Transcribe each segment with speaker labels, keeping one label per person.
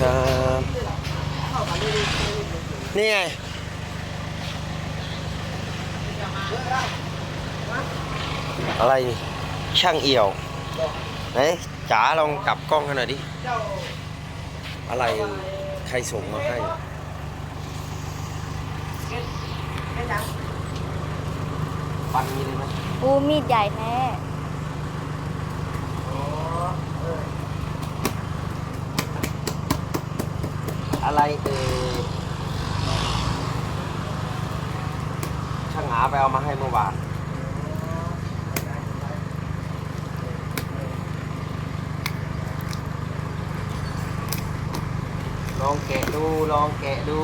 Speaker 1: ครับนี่ไงอะไรนี่ช่างเอี่ยวไหนจ๋าลองกลับกล้องให้หน่อยดิอะไรใครส่งมาให้ปันนี้เลยไหม
Speaker 2: ปูมีดใหญ่แท้
Speaker 1: อะไรช่างหาไปเอามาให้เมื่อวานลองแกะดูลองแกะดู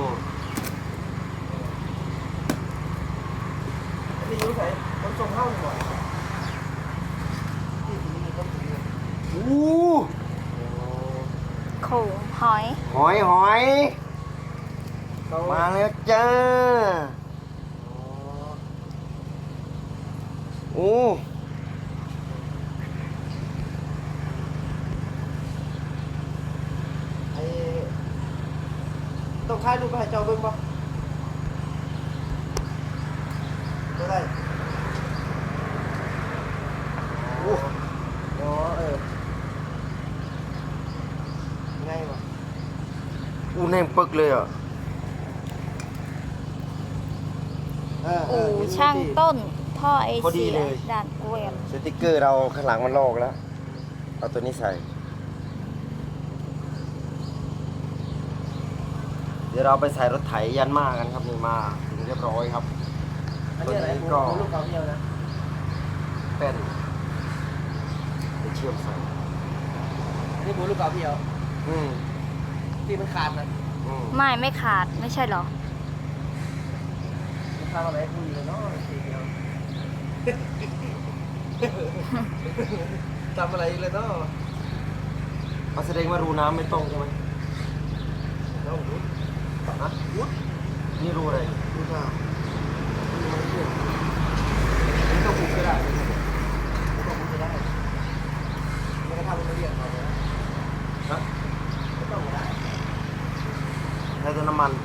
Speaker 1: นี่รู้ไหมมันส่งเข้าหน่อยอู้
Speaker 2: โขงหอย
Speaker 1: หอยหอยมาแล้วจ้าโอ้ไอ้ต้องถ่ายรูปให้เจ้าเบิ่งป่ะก็ได้โอ้ง่ายป่ะอู้แน่งปึกเลยอ่ะ
Speaker 2: อู่ช่างต้นท่อไอ
Speaker 1: พอดี
Speaker 2: เสีย
Speaker 1: เลย
Speaker 2: ด่านกล้วย
Speaker 1: สติ๊กเกอร์เราข้างหลังมันลอกแล้ว เอาตัวนี้ใส่ เดี๋ยวเราไปใส่รถไถยันมากันครับนี่มาถึงเรียบร้อยครับตัวนี้ก็ลูกเขาเดียวนะเป็นไปเชื่อมใส่
Speaker 3: นี่บูลูกเก่าพี่เอา
Speaker 1: อืม
Speaker 3: ที่มันขาดนะ
Speaker 1: อืม
Speaker 2: ไม่ขาดไม่ใช่เหรอ
Speaker 3: มันขาดอะไรคุยเลยเนาะทีเดียวทำอะไรเลยเนาะ
Speaker 1: เอาแสดงว่ารูน้ำไม่ตรงใช่ไหม
Speaker 3: น้องวุ้นะวุ้
Speaker 1: นี่รูอะไร
Speaker 3: ดูข้าวมันเชื่อนี่ก็ปลูกก็ได้ก็ปลูกก็ได้ไม่ก็ทำเป็นเรียนเขาเลยนะ
Speaker 1: ฮะ
Speaker 3: ไม่ต้องก็ได้
Speaker 1: ใช้แต่น้ำมัน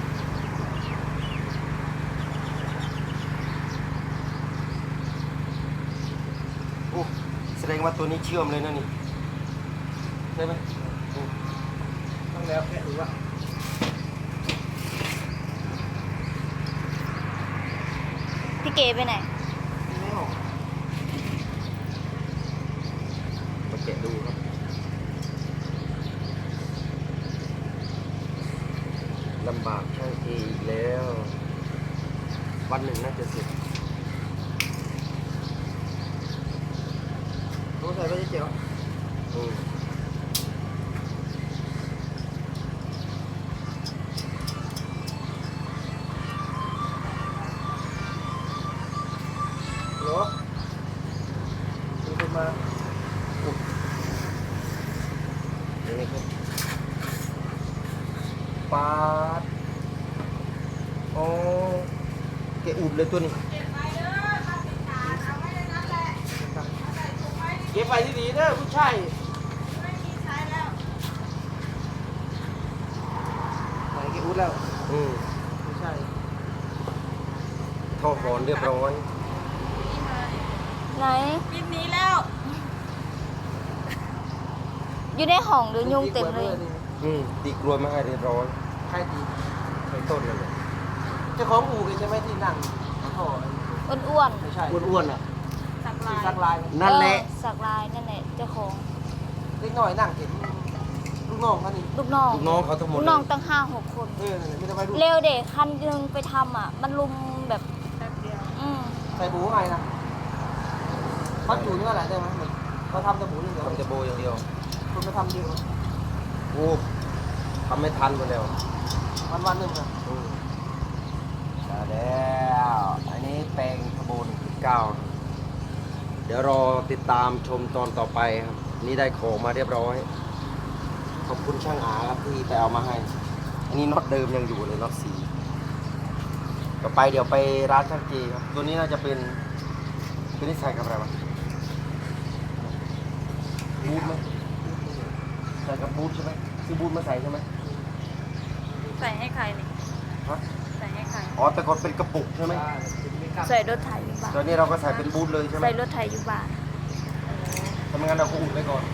Speaker 1: โอ้แสดงว่าตัวนี้เชื่อมเลยนะนี่ได้ไหมอืม
Speaker 3: ต้องแล้วแค่ดูว่า
Speaker 2: พี่เก๋ไปไหน
Speaker 3: ไม่ออก
Speaker 1: มาแกะดูครับลำบากช่างเออีกแล้ว วันหนึ่งน่าจะเสร็จ
Speaker 3: ตัวใส่ไปเจ๋อ
Speaker 1: อืม
Speaker 3: หรอมีคนมา
Speaker 1: นี่ครับปาดโอ้แกะอุบเลยตัวนี้
Speaker 3: เก็บไปที่ดีเด้อผู้ชายไหนเก็บอุ้ดแล้ว
Speaker 1: อืม
Speaker 3: ผู้ชาย
Speaker 1: ท่อหอนเรียบร้อย
Speaker 2: ไหน
Speaker 4: ปิดนี้แล้ว
Speaker 2: อยู่ในห้องหรือยุงเต็มเลย
Speaker 1: อืมตีกลวยมาให้เรียบร้อย
Speaker 3: ใครดี
Speaker 1: ไปต้นนั่นเลย
Speaker 3: เจ้าของอู่กันใช่ไหมที่นั่งท่อ
Speaker 2: อ้วน
Speaker 3: ไม่ใช่
Speaker 1: อ้วนๆอ่ะ
Speaker 4: สัก
Speaker 3: ที่
Speaker 4: ลาย
Speaker 3: สักลาย
Speaker 2: ๆ
Speaker 1: นั่นแหละ
Speaker 2: สักลายนั่นแหละเจ้าของ
Speaker 3: เล็กน้อยนั่งเห็นลูกน้องเขานี่
Speaker 2: ลูกน้อง
Speaker 1: ลูกน้องเขาทั้งหมด
Speaker 2: ลูก
Speaker 1: เล
Speaker 2: น้อง
Speaker 1: ย
Speaker 2: ตั้ง5-6 คน
Speaker 3: ไม่ได้ไปดู
Speaker 2: เร็วเด็กคันยึงไปทำอ่ะ มันลุมแบบ
Speaker 4: แป๊บเดียว
Speaker 3: ใส่บูไงนะเขาอยู่นี่ว่าอะไรได้ไหมเขาทำแต่บูนี่เดียว
Speaker 1: ทำแต่โบอย่างเดียว
Speaker 3: คุณไปทำเดียว
Speaker 1: โอ้ทำไม่ทันหมดแล้ว
Speaker 3: วันหนึ่งนะ
Speaker 1: อืมได้แล้วอันนี้แปลงขบวน9เดี๋ยวรอติดตามชมตอนต่อไปครับ นี่ได้ของมาเรียบร้อย ขอบคุณช่างอาครับที่ไปเอามาให้ อันนี้น็อตเดิมยังอยู่เลยน็อตสีต่อไปเดี๋ยวไปร้านช่างเจครับ ตัวนี้น่าจะเป็นตัวนี้ใส่กับอะไรวะบูทไหมใส่กับบูทใช่ไหม
Speaker 3: ใ
Speaker 1: ซื้อบูทมาใส่ใช่ไหม
Speaker 2: ใส่ให้ใครนี่
Speaker 1: ฮะ
Speaker 2: ใส่ให้ใคร
Speaker 1: อ๋อแต่ก่อนเป็นกระปุกใช่ไหม
Speaker 2: ใส่รถไถอยู่บ้าน
Speaker 1: ตอนนี้เราก็ใส่เป็นบูทเลยใช่ไหม
Speaker 2: ใส่รถไถอยู่บ้าน
Speaker 1: ทำงั้นเราก็อุ่นไว้ก่อน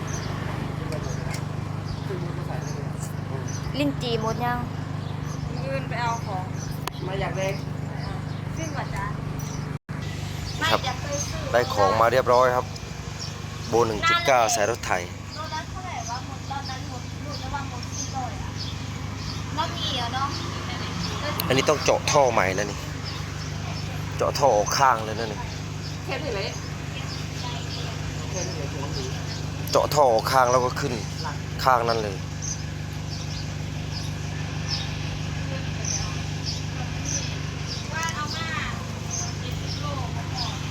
Speaker 2: ลิ้นจีหมดยังยืนไปเอาของ
Speaker 3: มาอยากเด็ก
Speaker 2: ขึ้นก่อนจ้าไม่
Speaker 1: ครับ
Speaker 2: อยากไปซื้อ
Speaker 1: ได้ของมาเรียบร้อยครับ โบ 1.9 ใส่รถไถ
Speaker 2: รถนั้นเท่าไหร่วะหมดตอนนั้นหมดหลุดแล้วว่าหมดที่ร้อยอ่ะน้องมีเหรอเนาะ
Speaker 1: อันนี้ต้องเจาะท่อใหม่แล้วนี่ เจาะท่อออกข้างเลยนะนี่
Speaker 3: เทปเลยเทปเลย
Speaker 1: เจาะท่อออกข้างแล้วก็ขึ้นข้างนั้นเลย
Speaker 3: เ